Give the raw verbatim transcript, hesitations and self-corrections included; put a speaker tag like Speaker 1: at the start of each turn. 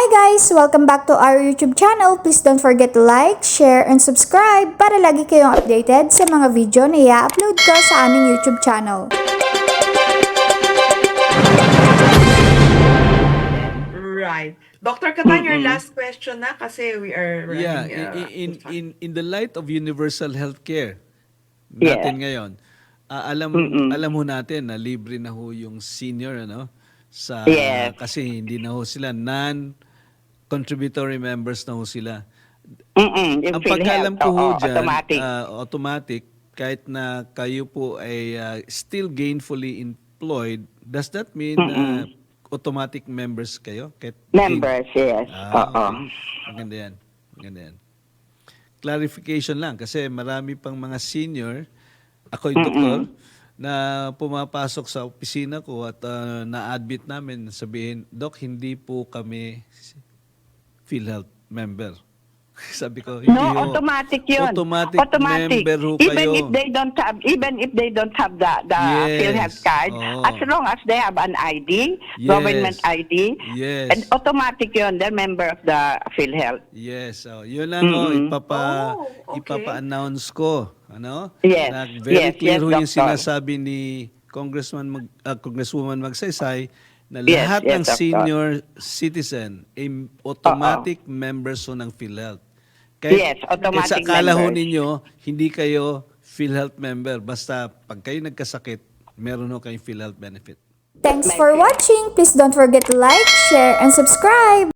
Speaker 1: guys! Welcome back to our YouTube channel. Please don't forget to like, share, and subscribe para lagi kayong updated sa mga video na i-upload ko sa aming YouTube channel.
Speaker 2: Right. Doctor Katan, your last question na kasi we are running
Speaker 3: Yeah,
Speaker 2: uh,
Speaker 3: in, in,
Speaker 2: out of
Speaker 3: in, in the light of universal healthcare
Speaker 4: Yeah.
Speaker 3: natin ngayon, ah, alam
Speaker 4: Mm-mm.
Speaker 3: alam ho natin na libre na ho yung senior ano sa
Speaker 4: Yes.
Speaker 3: kasi hindi na ho sila non-contributory members na ho sila.
Speaker 4: Mm-mm, yung
Speaker 3: Ang pagkalam
Speaker 4: PhilHealth,
Speaker 3: ko ho
Speaker 4: oo,
Speaker 3: dyan,
Speaker 4: automatic.
Speaker 3: ah, automatic, kahit na kayo po ay ah, still gainfully employed, does that mean na automatic members kayo? Kahit
Speaker 4: Members, yes.
Speaker 3: Ah,
Speaker 4: Oo.
Speaker 3: okay. Maganda yan. Maganda yan. Clarification lang kasi marami pang mga senior, ako yung doktor, na pumapasok sa opisina ko at ah, na-admit namin, sabihin, Doc, hindi po kami PhilHealth member. Sabi ko, hindi
Speaker 4: No,
Speaker 3: ho.
Speaker 4: automatic yun.
Speaker 3: Automatic,
Speaker 4: Automatic.
Speaker 3: member ho
Speaker 4: Even
Speaker 3: kayo.
Speaker 4: if they don't have, even if they don't have the the
Speaker 3: Yes.
Speaker 4: PhilHealth card,
Speaker 3: Oo.
Speaker 4: as long as they have an I D,
Speaker 3: Yes.
Speaker 4: government I D,
Speaker 3: Yes.
Speaker 4: and automatic yun, they're member of the PhilHealth.
Speaker 3: Yes, oh, yun lang oh,
Speaker 4: Mm-mm.
Speaker 3: ipapa
Speaker 2: Oh, okay.
Speaker 3: ipapa-announce ko, ano?
Speaker 4: Yes,
Speaker 3: Na very
Speaker 4: yes,
Speaker 3: clear
Speaker 4: yes,
Speaker 3: ho yung
Speaker 4: Doctor.
Speaker 3: sinasabi ni Congressman Mag, ah, Congresswoman Magsaysay na
Speaker 4: Yes,
Speaker 3: lahat
Speaker 4: yes,
Speaker 3: ng
Speaker 4: Doctor.
Speaker 3: senior citizen ay automatic members ho ng PhilHealth. Kahit,
Speaker 4: Yes, automatic
Speaker 3: kahit sa akala ho
Speaker 4: members.
Speaker 3: ninyo, hindi kayo PhilHealth member. Basta pag kayo nagkasakit, meron ho kayong PhilHealth benefit.
Speaker 1: Thanks for watching! Please don't forget to like, share, and subscribe!